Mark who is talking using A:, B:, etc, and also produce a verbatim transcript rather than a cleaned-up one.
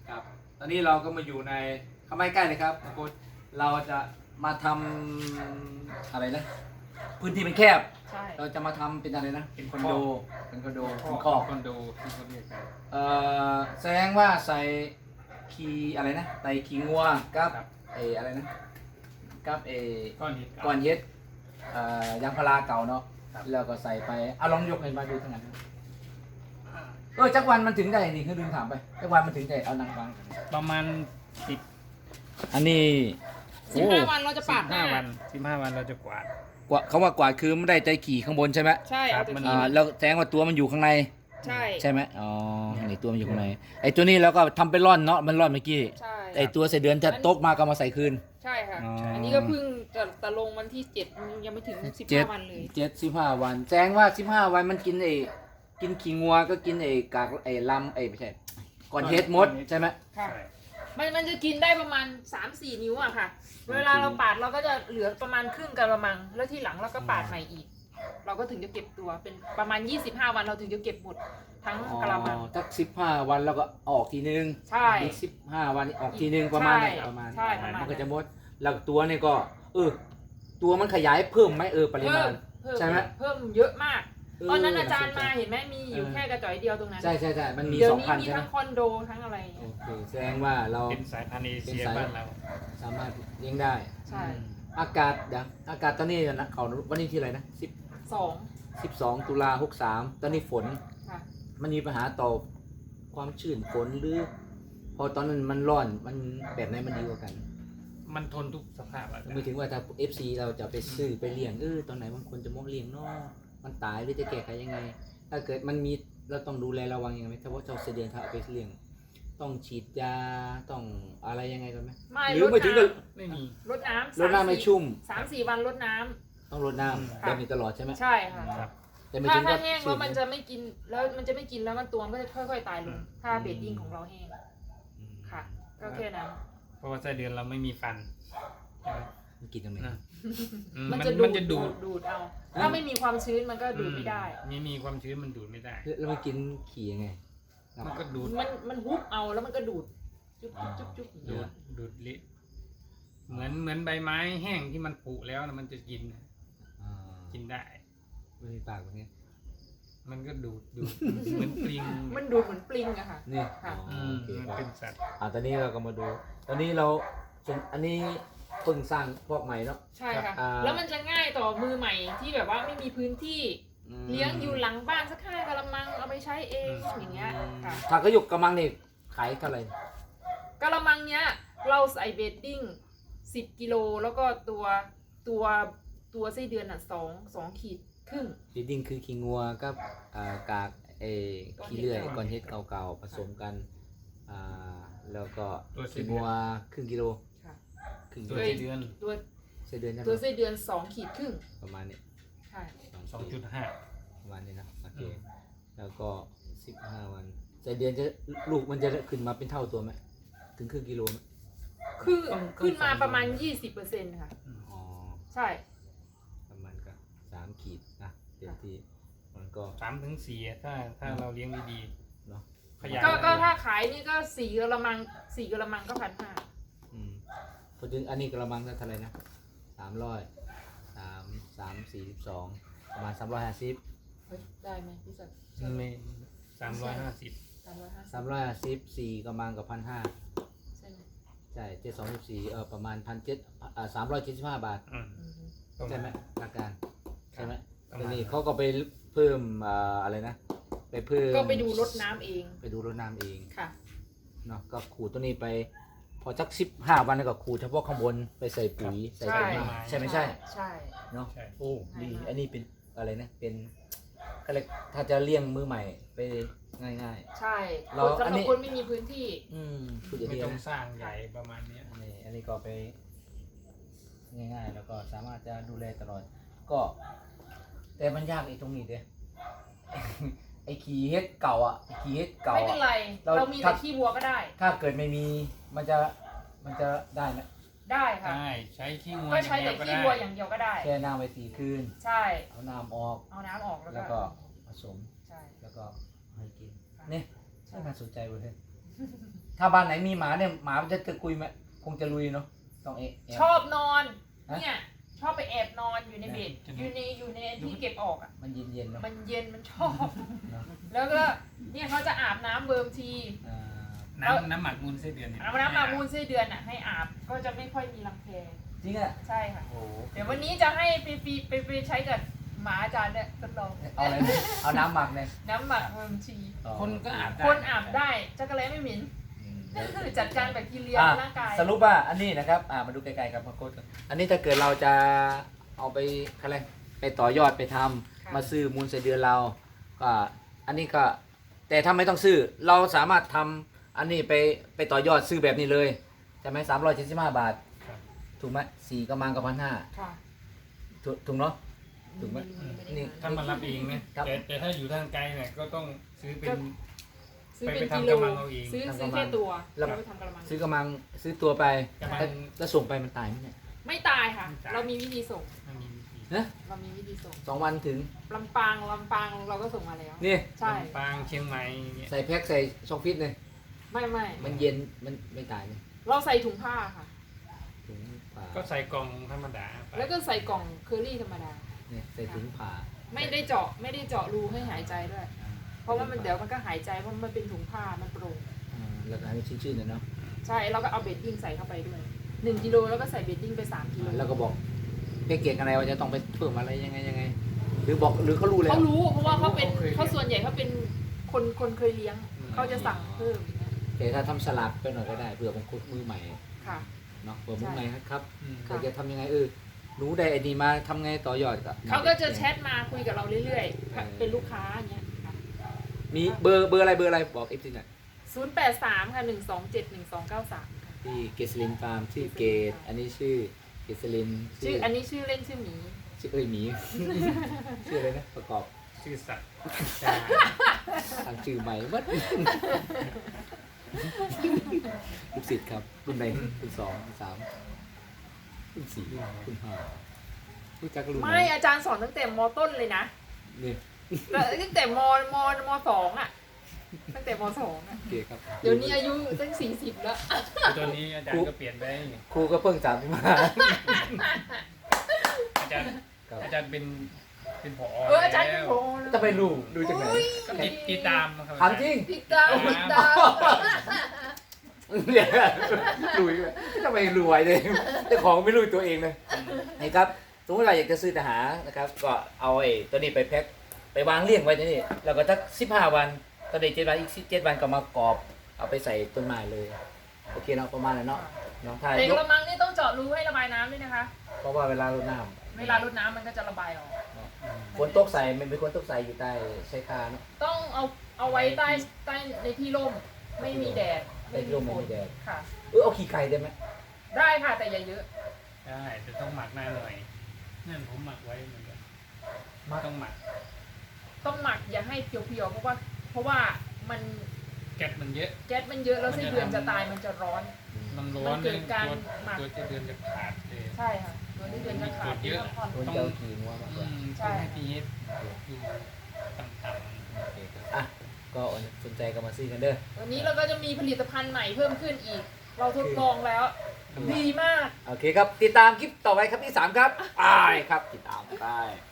A: ครับตอนนี้เราก็มาอยู่ในเข้ามาใกล้เลยครับนะคุณเราจะมาทำอะไรนะพื้นที่เป็นแคบ
B: ใช่
A: เราจะมาทำเป็นอะไรนะเป็นคอนโดเป็นคอนโด
C: ข้
A: เป็น
C: อ
A: คอก
C: คอนโดที่เขาเรียกกัน
A: เอ่อแสดงว่าใส่คีอะไรนะใส่คีงัวกับเอออะไรนะกับเอ
C: ก้อนหิน
A: ก้อนเย็ดเอ่อยางพาราเก่าเนาะแล้วก็ใส่ไปเอาลองยกให้มาดูทั้งนั้นเออจักวันมันถึงได้นี่คือลืมถามไปจักวันมันถึงได้เอานางฟัง
C: ประมาณสิบ
A: อันนี้
B: สิบห้าวันเราจะ
C: สิ
B: ปา
C: บ
B: ดห
C: ห้า
B: น้า
C: วันสิบห้าวันเราจะกวาด
A: กว่าเขาว่ากวาดคือไม่ได้ใจขี่ข้างบนใช่ไหม
B: ใช่
C: ครั
B: เอา
C: บ
B: แต่
C: มัน
B: ที
A: อ่าแล้วแสดงว่าตัวมันอยู่ข้างใน
B: ใช่
A: ใช่ไหมอ๋อนี่ตัวมันอยู่ข้างในไอ้ตัวนี้เราก็ทำเป็นร่อนเนาะมันร่อนเมื่อกี้
B: ใช่
A: ไอ้ตัวใส่เดือนจะตกมาก็มาใส่คืน
B: ใช่ค่ะ
A: อ๋ออั
B: อันนี้ก็เพิ่งจะจะลงวันที่เจ็ดยังไม่ถึงสิบ
A: เจ็
B: ห้า
A: ด
B: วันเลย
A: เจ็ดสิบห้าวันแสดงว่าสิบห้าวันมันกินไอ้กินขี้งัวก็กินไอ้กากไอ้ลำไอ้ไม่ใช่ก่อนเฮ็ดมดใช่ไหม
B: ค่ะ
C: ใช่
B: มันมันจะกินได้ประมาณ สามสี่ นิ้วอะค่ะ เวลาเราปาดเราก็จะเหลือประมาณครึ่งกะละมัง แล้วที่หลังเราก็ปาดใหม่อีก เราก็ถึงจะเก็บตัวเป็นประมาณยี่สิบห้าวันเราถึงจะเก็บหมดทั้ง
A: อ๋อก
B: ะละมัง
A: สักสิบห้าวันแล้วก็ออกทีนึง
B: ใช่
A: อีกสิบห้าวันออกทีนึงประมาณนี้
B: ใช่
A: ประมาณ
B: ใช่ประมาณ
A: มันก็จะมดแล้วตัวนี่ก็เออตัวมันขยายเพิ่มไหมเออปริ
B: เพิ่
A: มาณ
B: มเพิ่ม
A: ใช่ไหม
B: เพิ่มเยอะมาก
A: เออ
B: ตอนนั้นอาจารย์
A: น่
B: มา
A: สนใจ
B: เห็นไหมมีอยู่
A: เออ
B: แค่กระจอยเดียวตรงนั้น
A: ใช่ใช่ใช่มันมี
B: เดี๋ย
A: ส
B: ว
A: อง
B: นี้
A: พัน
B: มี
A: ใช่ไหม
B: ทั้งคอนโดทั้งอะไรอย่าง
A: โอ
B: เงี้ย
A: เคแสดงว่าเรา
C: เป็นสายพันธุ์เอเชีย
A: เป็นสาย
C: บ้านเรา
A: สามารถเลี้ยงได้
B: ใช่
A: อากาศเดี๋ยวอากาศตอนนี้นะเขาวันนี้ที่อะไรนะสิบ
B: สอง
A: สิบสองตุลาหกสามตอนนี้ฝน
B: ค่ะ
A: มันมีปัญหาต่อความชื้นฝนหรือ พอตอนนั้นมันร้อนมันแบบไหนมันดีกว่ากัน
C: มันทนทุกสภาพอากาศ
A: ไม่ถึงว่าถ้า เอฟ ซี เราจะไปซื้อไปเลี้ยงเออตอนไหนมันควรจะมองเลี้ยงเนาะมันตายหรือจะแก้ไขยังไง ถ้าเกิดมันมีเราต้องดูแลระวังยังไงไหมถ้าว่าเจ้าเสดียนถ้าเอาไปเลี้ยงต้องฉีดยาต้องอะไรยังไงกันไหม
B: ไม่
A: หรื
B: ร
A: อ
B: ด
A: ไม่ถึงกับ
B: น้
C: ไม่มี
B: ำรดน้ำ
A: รดน้ำไม่ชุ่ม
B: สามสี่วันรดน้ำ
A: ต้องรดน้ำแบบนี้ตลอดใช่ไหม
B: ใช่ค่ะ
C: ครับ
A: แต่ไม่
B: ถ้า
A: ถึง
B: ถ้า
A: กับ
B: แห้ง
A: ชื้
B: แล้วมันจะไม่กินแล้วมันจะไม่กินแล้วมันตัวมันก็จะค่อยๆตายลงถ้าเบดดิ้งของเราแห้ง
A: อืม
B: ค่ะ ก็แค่นั้น
C: เพราะว่าไส้เดือนเราไม่มีฟันใช่ไหม
A: มันกินตรงไหน
C: นะอืม
B: มัน
C: มัน
B: จะดู
C: มัน
B: ด
C: จะดูด
B: ดูดเอา ถ้าไม่มีความชื้นมันก็ดูดไม่ได้
C: ไม่มีความชื้นมันดูดไม่ได้
A: แล้วมันกินขี่ยังไง
C: มันก็ดูด
B: มันมันฮุบเอาแล้วมันก็ดูดจุ๊บจุ๊บจุ๊บจุ๊บ
C: ดูดดูดลิเหมือนเหมือนใบไม้แห้งที่มันผุแล้วนะมันจะกิน
A: อ่า
C: กินได้
A: ไม่มีปากแบบนี้
C: มันก็ดูดดูดเหมือนปลิง
B: มันดูดเหมือนปลิงอะค่ะ
A: นี่
B: ค่ะ
A: อ๋อ
C: อืม
A: โอเค
C: มัน
A: ครับ
C: เป็นสัตว์
A: อ่าตอนนี้เราก็มาดู ตอนนี้เราส่วนอันนี้เพิ่งสร้างพวกใหม่เนาะ
B: ใช่ค่ะ
A: อ่า
B: แล้วมันจะง่ายต่อมือใหม่ที่แบบว่าไม่มีพื้นที่
A: อืม
B: เลี้ยงอยู่หลังบ้านสักห้ากะละมังเอาไปใช้เองอย่างเงี้ยค่ะ
A: ถ้ากระยุกกระมังนี่ขายเท่าไหร่
B: กะละมังเนี้ยเราใส่เบดดิ้งสิบกิโลแล้วก็ตัวตัวตัวไส้เดือนอ่ะสองสองขีดครึ่ง
A: ฟีดดิ้งคือขี้งัวกับอ่ากากเออขี้เลื่อยก้อนเฮ็ดเก่าๆผสมกันอ่าแล้วก็ขี้งัวครึ่งกิโล
B: ค่ะ
A: ครึ่ง
C: ตั
A: กิ
C: ว
A: โล
C: ไส้เดือน
B: ตัว
A: ไส้เดือนใช่ไหม
B: ตัวไส้เดือนสองขีดครึ่ง
A: ประมาณนี้
B: ใช่
C: สองจุดห้า
A: ประมาณนี้นะโอเค
C: อืม
A: แล้วก็สิบห้าวันไส้เดือนจะลูกมันจะขึ้นมาเป็นเท่าตัวไหมถึงครึ่งกิโลไหม
B: คือขึ้นมาประมาณยี่สิบเปอร์เซ็นต์ค่ะ
A: อ๋อ
B: ใช่
A: ประมาณก็สามขีดนะเต็มที่มันก็
C: สามถึงสี่อะถ้าถ้าเราเลี้ยงดี
A: เนาะ
C: ขยาย
B: ก็ก็ถ้าขายนี่ก็สี่กะละมังสี่กะละมังก็พันห้า
A: อืมพอถึงอันนี้กระมังเท่าไหร่นะสามร้อยสามสามสี่สิบสองประมาณสามร้อยห้าสิบ
B: เฮ้ยได้ไหมพี่สักดิ์
C: ๆไม่สามร้อยห้าสิบ
B: สามร้อยห้าสิบ
A: สามร้อยห้าสิบสี่กระมังกับพันห้า
B: ใช่ไหม
A: ใช่เจ็ดสองสิบสี่เออประมาณพันเจ็ดอ่าสามร้อยเจ็ดสิบห้าบาท
C: อืม
B: อืม
C: ประาณ
A: ใช่ไหมหลักการใช่ไหม
C: ประ
A: ที
C: มาณ
A: นี้เขาก็ไปเพิ่มอ่าอะไรนะ ไปเพิ่ม
B: ก็ไปดูรดน้ำเอง
A: ไปดูรดน้ำเอง
B: ค่ะ
A: เนาะก็ขูดตัวนี้ไป พอสักสิบห้าวันแล้วก็ขูดเฉพาะข้างบนไปใส่ปุ๋ยใส่
B: ใช่
A: ปุ๋ยใช่ไหมใช่
B: ใช่
A: เนาะ
C: ใช่
A: โอ้ดี
B: ง่ายมาก
A: อันนี้เป็นอะไรนะเป็นก็เลยถ้าจะเลี้ยงมือใหม่ไปง่าย
B: ใช่
A: เรา
B: คนสำห
A: อัน
B: รับ
A: นี้
B: คนไม่มีพื้นที่
A: ๆ อืมพูดอย่าง
C: ไม่
A: นี้
C: ต้อง
A: นะ
C: สร้างใหญ่ประมาณเนี้ย
A: อันนี้อันนี้ก็ไปง่ายๆ แล้วก็สามารถจะดูแลตลอด ก็ แต่มันยากไอ้ตรงนี้เด้ ไอ้ขี้เฮ็ดเก่าอ่ะไอ้ขี้เฮ็ดเก่า
B: ไม่เป็น
A: อ่ะ
B: ไร
A: เรา
B: เรามี
A: ถ้า
B: แต่ขี้วัวก็ได้
A: ถ้าเกิดไม่มีมันจะมันจะได้ไหม
B: ได้ค่ะ
C: ใช่ใช้ขี้งัว
B: ก็
C: อย่า
B: ใช้
C: งเดี
B: แต่
C: ยวก็
B: ขี้
C: ได้
B: วัวอย่างเดียวก็ได้
A: แช่น้ำไว้สี่คืน
B: ใช่
A: เอาน้ำออก
B: เอาน้ำออกแล้ว
A: แล้ว
B: ก็
A: ก็ผสม
B: ใช่
A: แล้วก็ให้กินเนี่ย
B: ใช่
A: น่าสนใจเว้ยเฮ้ยถ้าบ้านไหนมีหมาเนี่ยหมามันจะตะกุยไหมคงจะลุยเนาะต้องเอะแะ
B: ชอบนอน
A: ฮะ
B: เนี่ยชอบไปแอบนอนอยู่ในเบดอยู่ในอยู่ในที่เก็บออกอ่ะ
A: มันเย็นเย็นๆเนาะ
B: มันเย็นมันชอบ
A: เนาะ
B: แล้วก็เนี่ยเขาจะอาบน้ำเวิร์มที
A: อ่า
C: น้ำน้ำหมักมูลไส้เดือนเนี่ย
B: อาบน้ำมามูลไส้เดือนอ่ะให้อาบก็จะไม่ค่อยมีรังแค
A: จริงอ่ะ
B: ใช่ค่ะ
A: โอ้โห
B: เดี๋ยววันนี้จะให้ไปไปไปไปใช้กับหมาอาจารย์เนี่ยทดลอง
A: เอาอะไรเนี่ยเอาน้ำหมักเนี่ย
B: น้ำหมักเวิร์มที
C: คนก็อาบได้
B: คนอาบได้จักรแลไม่เหม็น
A: อืมเดี๋ยว
B: คือจัดการแบคทีเรีย
A: อ่ะ
B: ในร่างกาย
A: สรุปว่าอันนี้นะครับอ่ามาดูไกลๆกับมาโค้ดอันนี้ถ้าเกิดเราจะเอาไปอะไรไปต่อยอดไปทำ
B: ค่ะ
A: มาซื้อมูลไส้เดือนเราก็อันนี้ก็แต่ถ้าไม่ต้องซื้อเราสามารถทำอันนี้ไปไปต่อยอดซื้อแบบนี้เลยใช่ไหมสามร้อยเจ็ดสิบห้าบาท
C: ครับ
A: ถูกไหมสี่กำมังกับพันห้า
B: ค่ะ
A: ถูกถูกเนาะ ถูกไหม นี่
C: ถ้ามารับเองนะครับ แต่แต่ถ้าอยู่ทางไกลเนี่ยก็ต้องซื้อเป็น
B: ซื้อเป็น
C: ไป
B: กิ
C: ทำ
B: โล
C: กระมังเอาเอง
B: ซื้อ
A: ทำก
B: ซื้
A: ระ
B: อ
A: มัง
B: แค่ตัว
A: แล้ว
B: เราไปทำกระมัง
A: ซื้อกำมังซื้อตัวไป
C: กระมัง
A: แล้วแล้วส่งไปมันตายไหมเนี่ย
B: ไม่ตายค่ะ
C: ไม่ตาย
B: เรามีวิธีส่ง
C: มันมีวิธี
A: นะ
B: เรามีวิธีส่ง
A: สองวันถึง
B: ลำปางลำปางเราก็ส่งมาแล้ว
A: นี่
B: ใช่
C: ลำปางเชียงใหม่อย่างเงี้ย
A: ใส่แพ็คใส่ช่องฟิตเลย
B: ไม่ไม่
A: มันเย็นมันไม่ตายเลย
B: เราใส่ถุงผ้าค่ะ
A: ถุงผ่า
C: ก็ใส่กล่องธรรมดาไป
B: แล้วก็ใส่กล่องเคอรี่ธรรมดา
A: เนี่ยใส่ถุงผ่า
B: ไม่ได้เจาะไม่ได้เจาะรูให้หายใจด้วย
A: อ่า
B: เพราะว่ามันเดี๋ยวมันก็หายใจเพราะมันเป็นถุงผ้ามันโปร่ง
A: อ่าแล้วก็ให้มันชื้นๆหน่อยเนาะ
B: ใช่เราก็เอาเบดดิ้งใส่เข้าไปด้วยหนึ่งกิโลแล้วก็ใส่เบดดิ้งไปสามกิโล
A: แล้วก็บอกแพ็กเกจอะไรว่าจะต้องไปเพิ่มอะไรยังไงยังไง หรือบอกหรือเขารู้แล้ว
B: เขารู้เพราะว่าเขาเป็นเขาส่วนใหญ่เขาเป็นคนคนเคยเลี้ยง
C: อืม
B: เขาจะสั่งเพิ่มอย่างเงี้ย
A: แต่ถ้าทำสลับไปหน่อยก็ได้เผื่อบางคนมือใหม่
B: ค่ะ
A: เนาะเผื่อมือใหม่ครับ
C: อืม
A: เราจะทำยังไงเออรู้ได้ไอดีมาทำไงต่อยอดกับ
B: เขาก็จะแชทมาคุยกับเราเรื่อยๆ เป็นลูกค้าอย่างเงี้ยค่ะ
A: มีเบอร์เบอร์อะไรเบอร์อะไรบอกเอฟซีหน่อย
B: ศูนย์แปดสามค่ะหนึ่งสองเจ็ดหนึ่งสองเก้าสามค่ะ
A: ที่เกสลินฟาร์มชื่อเกตอันนี้ชื่อเกสลิน
B: ชื่ออันนี้ชื่อเล่นชื่อหมี
A: ชื่อเอ้ยหมี ชื่ออะไรนะประกอบ
C: ชื่อสัตว์
A: ทางชื่อใหม่หมัด ลูกศิษย์ครับรุ่นไหนรุ่นสองรุ่นสามรุ่นสี่รุ่นห้ารู้จักรุ่นไหน
B: ไม่อาจารย์สอนตั้งแต่มต้นเลยนะ
A: นี่
B: แล้วตั้งแต่มมมสองอ่ะ ตั้งแต่มสองอ่ะ
A: โอเคครับ
B: เดี๋ยวนี้อายุตั้งสี่สิบแล้ว
C: คือตอนนี้อาจารย์ก็เปลี่ยนไป
A: ครูก็เพิ่งสามสิบห้า
C: อาจารย์
A: ครับ
C: อาจารย์เป็นเป็นผอ
B: เอออาจารย์เป็น
C: แล้ว
B: โผ
A: จะไปรู้ดูจากไหน
C: ก็ติดติดตามครับ
A: ถามจริง
B: ติดตามติดตาม
A: เดี๋ยวรวยด้วยทำไมรวยเลยเจ้าของไม่รู้ตัวเองเลยนี่ครับสมมติเราอยากจะซื้อทหารนะครับ ก็เอาไอ้ตัวนี้ไปแพ็คไปวางเรียงไว้ที่นี่แล้วก็สักสิบห้าวันตอนเด็กเจ็ดวันอีกเจ็ดวันก็มากรอบ เอาไปใส่ต้นไม้เลย โอเคเนาะประมาณนั้นเนาะเนาะถ้า
B: แต่
A: ย
B: ก
A: ก
B: ระมังนี่ต้องเจาะรูให้ระบายน้ำด้วยนะคะ
A: เพราะว่าเวลารดน้
B: เวลารดน้ำมันก็จะระบายออก
A: ำฝนตกใส่มันเป็นคนตกใส่อยู่ใต้ชายคาเนาะ
B: ต้องเอาเอาไว้ใต้ใต้ในที่ร่ม ไม่มีแดด
A: ในที่ร่มไม่มีแดด
B: ค่ะ
A: เออเอาขี้ไก่ได้ไหม
B: ได้ค่ะแต่อย่าเยอะ
C: ได้แต่ต้องหมักหน้าหน่อยนั่นผมหมักไว้เหมือนกันต้องหมัก
B: ต้องหมักอย่าให้เพียวๆเพราะว่า เพราะว่ามัน
C: แก๊สมันเยอะ
B: แก๊สมันเยอะแล้วไส้เดือนจะตายมันจะร้อน
C: มันร้อน
B: มันเกิดการ
C: ตัว
B: หมัก
C: ตัวจะเดือนจะขาดเลย
B: ใช่ค่ะตัวไส้เดือนจะขาด
C: เยอะ
B: พักผ่อน
A: คนเจ้าขี้งัวมากก
C: อื
A: ว่า
C: ม
B: ใช่
C: ต้องให้พีเอสอยู่ต่ำ
A: โอเคครับอ่ะก็สนใจก็มาซื้อกันเด้อ
B: วันนี้เราก็จะมีผลิตภัณฑ์ใหม่เพิ่มขึ้นอีก เราทดลองแล้ว ดีมาก
A: โอเคครับ ติดตามคลิปต่อไปครับที่สามครับไปครับ ติดตามไป